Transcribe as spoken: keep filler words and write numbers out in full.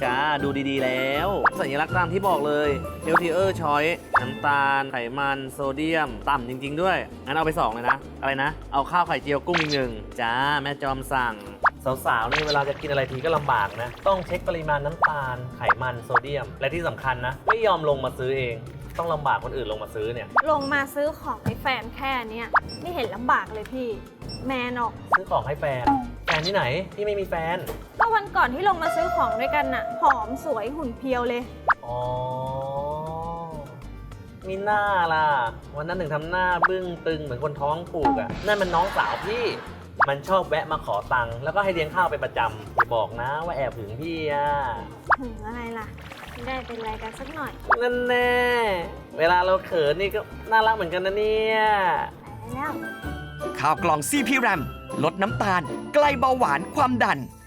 จ้าดูดีๆแล้วสัญลักษณ์ตามที่บอกเลย healthier choice น้ำตาลไขมันโซเดียมต่ำจริงๆด้วยงั้นเอาไปสองเลยนะอะไรนะเอาข้าวไข่เจียวกุ้งอีกหนึ่งจ้าแม่จอมสั่งสาวๆนี่เวลาจะกินอะไรทีก็ลำบากนะต้องเช็คปริมาณน้ำตาลไขมันโซเดียมและที่สำคัญนะไม่ยอมลงมาซื้อเองต้องลำบากคนอื่นลงมาซื้อเนี่ยลงมาซื้อของให้แฟนแค่เนี้ยไม่เห็นลำบากเลยพี่แมนออกซื้อของให้แฟนแฟนที่ไหนพี่ไม่มีแฟนก็วันก่อนที่ลงมาซื้อของด้วยกันน่ะหอมสวยหุ่นเพียวเลยอ๋อมีหน้าล่ะวันนั้นถึงทำหน้าบึ้งตึงเหมือนคนท้องผูกอ่ะนั่นมันน้องสาวพี่มันชอบแวะมาขอตังค์แล้วก็ให้เลี้ยงข้าวเป็นประจำอย่าบอกนะว่าแอบถึงพี่อ่ะถึงอะไรล่ะไม่ได้เป็นอะไรกันสักหน่อยนั่นแน่เวลาเราเขินนี่ก็น่ารักเหมือนกันนะเนี่ยไปแล้วข้าวกล่อง ซี พี แรม ลดน้ำตาลไกลเบาหวานความดัน